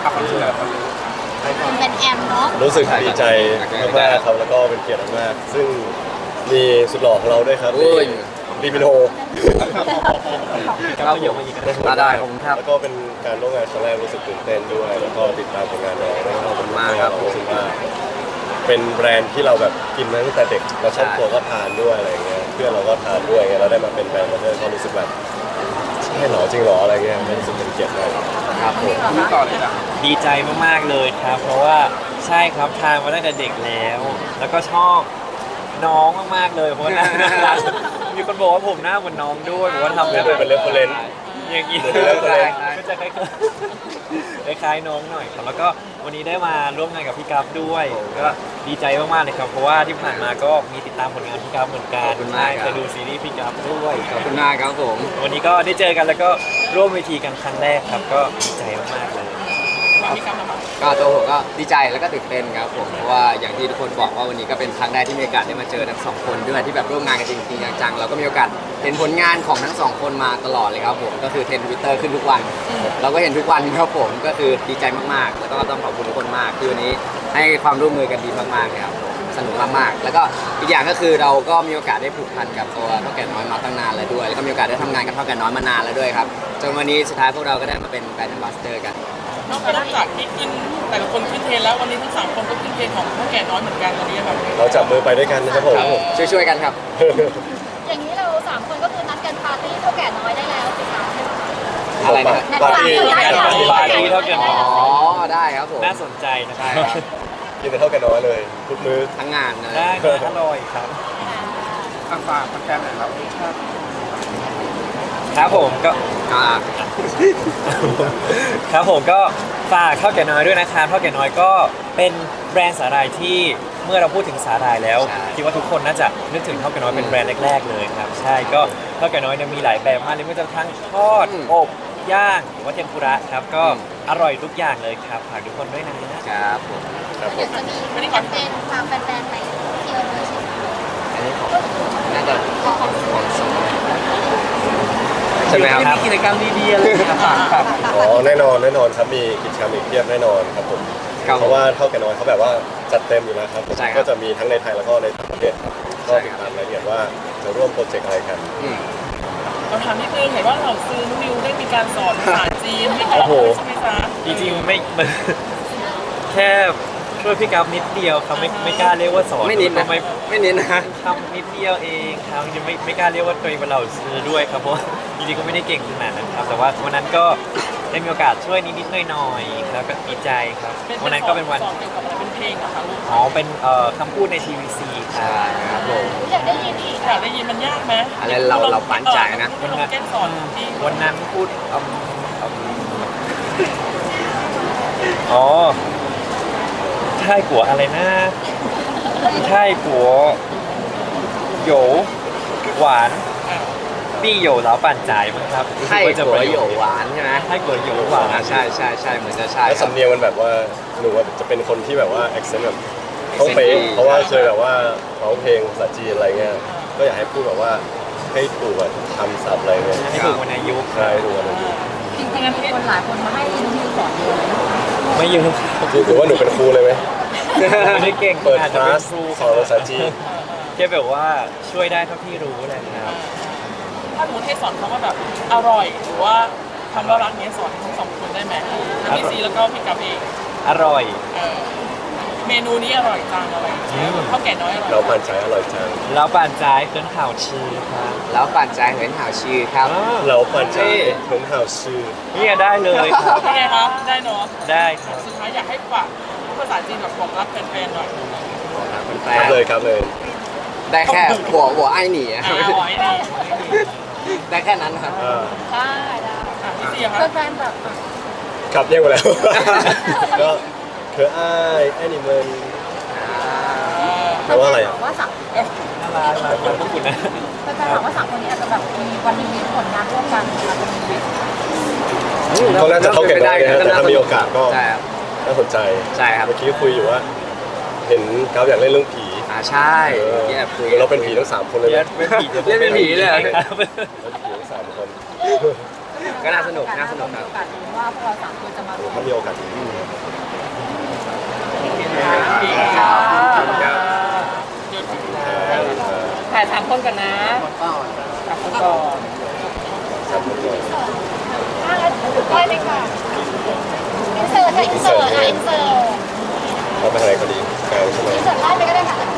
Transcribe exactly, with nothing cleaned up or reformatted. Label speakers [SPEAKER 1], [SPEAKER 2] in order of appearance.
[SPEAKER 1] ขับความรู้สึกแบบคนรู้
[SPEAKER 2] เป็นแอมเนาะ
[SPEAKER 3] รู้สึกดีใจมากๆครับแล้วก็เป็นเกียรติมากๆซึ่งมีสุดหล่อของเราด้วยครับบีมินโฮ
[SPEAKER 1] ก็เยอะมาอีกก็ได้ผมครับ
[SPEAKER 3] แล้วก็เป็นการร่วมงานครั้งแรกรู้สึกตื่นเต้นด้วยแล้วก็ติดตามผลงานน้องขอบคุณมากครับรู้สึกว่าเป็นแบรนด์ที่เราแบบกินมาตั้งแต่เด็กเราชอบตัวก็ทานด้วยอะไรเงี้ยเพื่อนเราก็ทานด้วยเงี้ยเราได้มาเป็นแบรนด์มาเพื่อนก็รู้สึกแบบใช่หรอจริงหรออะไรเงี้ยรู้สึกเป็นเกียรติมาก
[SPEAKER 1] ครับผมนี่ต่อเลยนะ
[SPEAKER 4] ดีใจมากๆเลยครับเพราะว่าใช่ครับทานมาตั้งแต่เด็กแล้ว แล้วก็ชอบน้องมากๆเลยเพราะว่าน่ารักมีคนบอกว่าผมหน้าเหมือนน้องด้วยบอกว่าทำ
[SPEAKER 3] เป็นเป็นเรฟเฟอเรนซ์
[SPEAKER 4] อย่างนี้ก็จะคล้ายๆคล้ายๆน้องหน่อยครับแล้วก็วันนี้ได้มาร่วมงานกับพี่กัฟด้วยก็ดีใจมากๆเลยครับเพราะว่าที่ผ่านมาก็มีติดตามผลงานพี่กัฟเหมือนกันใช่เคยดูซีรีส์พี่กัฟด้วย
[SPEAKER 1] ขอบคุณมากครับผม
[SPEAKER 4] วันนี้ก็ได้เจอกันแล้วก็ร่วมเวทีกันครั้งแรกครับก็ดีใจมากๆเลย
[SPEAKER 1] ก็ตัวผมก็ดีใจแล้วก็ตื่นเต้นครับผมเพราะว่าอย่างที่ทุกคนบอกว่าวันนี้ก็เป็นครั้งแรกที่มีโอกาสได้มาเจอทั้งสองคนด้วยที่แบบร่วมงานกันจริงๆจังๆเราก็มีโอกาสเห็นผลงานของทั้งสองคนมาตลอดเลยครับผมก็คือเทรนด์ Twitter ขึ้นทุกวันเราก็เห็นทุกวันครับผมก็คือดีใจมากๆแล้วก็ต้องขอบคุณทุกคนมากคือวันนี้ให้ความร่วมมือกันดีมากๆเลยครับสนุกมากๆแล้วก็อีกอย่างก็คือเราก็มีโอกาสได้ผูกพันกับตัวเท่าแก่น้อยมาตั้งนานแล้วด้วยแล้วก็มีโอกาสได้ทำงานกับเท่าแก่น้อยมานานแล้วด้วยครับจนวันนี้สุดท้ายพวกเราก็ได้มาเป็นแบรนด์แอมบาสเดอร์กัน
[SPEAKER 5] นอกจากที่ขึ้นแต่ละคนขึ้นเทรนแล้ววันนี้ทั้งสามคนก็ขึ้นเทรนของเท่าแก่น้อยเหมือนกันวันนี้แบบ
[SPEAKER 3] เราจับมือไปด้วยกันนะครับผม
[SPEAKER 1] ช่วยๆกันครับ
[SPEAKER 2] อย่างนี้เราสามคนก็คือนัดกันปาร์ตี้เท่าแก่น้อยได้แล้วสิคะ
[SPEAKER 1] อะไรนะ
[SPEAKER 3] ปาร์ตี้
[SPEAKER 4] ปาร์ตี้เท่าแก่น้อย
[SPEAKER 1] อ๋อได้ครับผม
[SPEAKER 4] น่าสนใจนะครับ
[SPEAKER 3] กินแต่เท่าแก่น้อยเลยทุกมื้อ
[SPEAKER 1] ทั้งงานเลย
[SPEAKER 4] ได้เลยอร่อยครับ
[SPEAKER 1] ฝากฝากแฟนๆหน่อยครับ
[SPEAKER 4] ครับผมก็ครับผมก็ฝากเท่าแก่น้อยด้วยนะครับเท่าแก่น้อยก็เป็นแบรนด์สาหร่ายที่เมื่อเราพูดถึงสาหร่ายแล้วคิดว่าทุกคนน่าจะนึกถึงเท่าแก่น้อยเป็นแบรนด์แรกๆเลยครับใช่ก็เท่าแก่น้อยเนี่ยมีหลายแบบมากเลยไม่ว่าจะทั้งทอดอบย่างหรือว่าเทมปุระครับก็อร่อยทุกอย่างเลยครับฝากทุกคนด้วยนะครับ
[SPEAKER 1] ผม
[SPEAKER 3] ครับผม
[SPEAKER 2] จะมีแคมเปญพาแฟนๆไปเที่ยวด้วยใช่ไหม
[SPEAKER 1] อันนี้ของน่าจะของของสอง
[SPEAKER 4] ใช่ไหมครับมีกิจกรรมดีๆอะไรครับ
[SPEAKER 3] อ๋อแน่นอนแน่นอนครับมีกิจกรรมอีกเพียบแน่นอนครับผมเพราะว่าเท่าแก่น้อยเขาแบบว่าจัดเต็มอยู่แล้วครับก็จะมีทั้งในไทยแล้วก็ในต่างประเทศครับก็ติดตามรายละเอียดว่าจะร่วมโปรเจกต์อะไรกัน
[SPEAKER 5] เราถามนิดนึงเห็นว่าเราซื้อนิวได้มีการสอนภาษาจีนให้กับใช่ไหมคะ
[SPEAKER 4] จริงๆไม่แค่ช่วยพี่กัฟนิดเดียวครับไม่ไม่กล้าเรียกว่าสอน
[SPEAKER 1] ไม่นิดนะไม่ไม่นิดนะ
[SPEAKER 4] ทำนิดเดียวเองครับยังไม่ไม่กล้าเรียกว่าตัวเองเป็นเราซื้อด้วยครับเพราะจริงๆก็ไม่ได้เก่งขนาดนั้นครับแต่ว่าวันนั้นก็ได้มีโอกาสช่วยนิดๆหน่อยๆแล้วก็ดีใจครับวันนั้นก็เป็นวัน
[SPEAKER 5] เป็นเพลงอะค่ะลูก
[SPEAKER 4] อ๋อเป็นเอ่อคำพูดในทีวีซีครับผม
[SPEAKER 2] อยากได้ยินอีก
[SPEAKER 5] อยากได้ยินมันยากไหม
[SPEAKER 1] อะไรเราเราปั่นใจนะ
[SPEAKER 5] วันนั้นสอน
[SPEAKER 4] วันนั้นพูดอ๋อใช่กัวอะไรนะใช่กัวโหยวหวานปี้โหยวแล้วปั่นจ่ายมั้งครับ
[SPEAKER 1] ใช่กัวโหยวหวานใช่ไหม
[SPEAKER 4] ใช่กัวโหยวหวาน
[SPEAKER 1] ใช่ใช่ใช่เหมือนจะใช่
[SPEAKER 3] แล้วสำเนียงมันแบบว่าหนูจะเป็นคนที่แบบว่า accent แบบต้องเป๊ะเพราะว่าเคยแบบว่าร้องเพลงภาษาจีนอะไรเงี้ยก็อยากให้พูดแบบว่าให้ถูกแบบทำศัพท์อะไรเงี้ย
[SPEAKER 4] ให้ถูกวันอายุ
[SPEAKER 3] ใช่ถูกวันอายุ
[SPEAKER 2] จริงๆมีคนหลายคนมาให้นิวสอนเยอะ
[SPEAKER 4] ไม่เยอะ
[SPEAKER 3] ถือว่าหนูเป็นครูเลยไหม
[SPEAKER 4] ไม่ได้เก่ง
[SPEAKER 3] เปิดคลาสสอนภาษาจีน
[SPEAKER 4] แค่แบบว่าช่วยได้เท่าที่รู้เลยครับ
[SPEAKER 5] ถ้าหนูให้สอนคำว่าแบบอร่อยหรือว่าคำว่ารักเนี้ยสอนทั้งสองคนได้ไหมทั้งพี่ซีแล้วก็พี่กับเอง
[SPEAKER 4] อร่อย
[SPEAKER 5] เมนูนี้อร่อยจังอะไรข้าวแก่น้อยอร่อย
[SPEAKER 3] เราปั่นใจอร่อยจัง
[SPEAKER 4] เราปั่นใจเหินข่าวชื่อครับ
[SPEAKER 1] เราปั่นใจเหินข่าวชื่อครับ
[SPEAKER 3] เราปั่นใจเหินข่าวชื่อ
[SPEAKER 4] นี่ได้เลยครับ
[SPEAKER 5] เป็นไงครับได้เนาะ
[SPEAKER 4] ได้ครับ
[SPEAKER 5] สุดท้ายอยากให้ฝากภาษาจีนแบบบอกรักแฟนๆหน่อย
[SPEAKER 3] ครับเลยครับเลย
[SPEAKER 1] ได้แค่หัวหัวไอ้หนีได้แค่นั้นครับ
[SPEAKER 2] ได้ได้แฟนแบบ
[SPEAKER 3] ขับเรียกมาแล้วก็เธออ้ายแอนิเมลแปลว่าอะไรอ่ะ
[SPEAKER 2] ว่าสัก
[SPEAKER 4] น่ารักมากขอบคุณนะ
[SPEAKER 2] แฟนๆบอกว่าสามคนนี้อาจจะแบบมีวันนี้มีผลงานร่วมกันอาจจะมี
[SPEAKER 3] เขาน่าจะเข้าเก็บได้นะแต่ถ้ามีโอกาสก็น่าสนใจ
[SPEAKER 1] ใช่ครับ
[SPEAKER 3] เมื่อกี้คุยอยู่ว่าเห็นเขาอยากเล่นเรื่องผี
[SPEAKER 1] อ่าใช่
[SPEAKER 3] เราเป็นผีทั้งสามคนเลย
[SPEAKER 1] เล่นเป็นผีเล่นเป็นผีเลย
[SPEAKER 3] ผีทั้งสามคน
[SPEAKER 1] ก็น่าสนุกน่าสนุกครับ
[SPEAKER 2] โอกาสดูว่าพวกเราสามคนจะมารวม
[SPEAKER 3] ถ้ามีโอกาสจริง
[SPEAKER 5] ถ่ายสามคนกันนะสามคนก่อน
[SPEAKER 2] อ่ะงั้นได้เลยค่ะอินเสิร์ตค่ะอินเสิร์ตค่ะอินเสิร์ต
[SPEAKER 3] เราไปทางไหนก็ดีกลางใช่ไหม
[SPEAKER 2] อินเสิร์ตไล่ไปก็ได้ค่ะ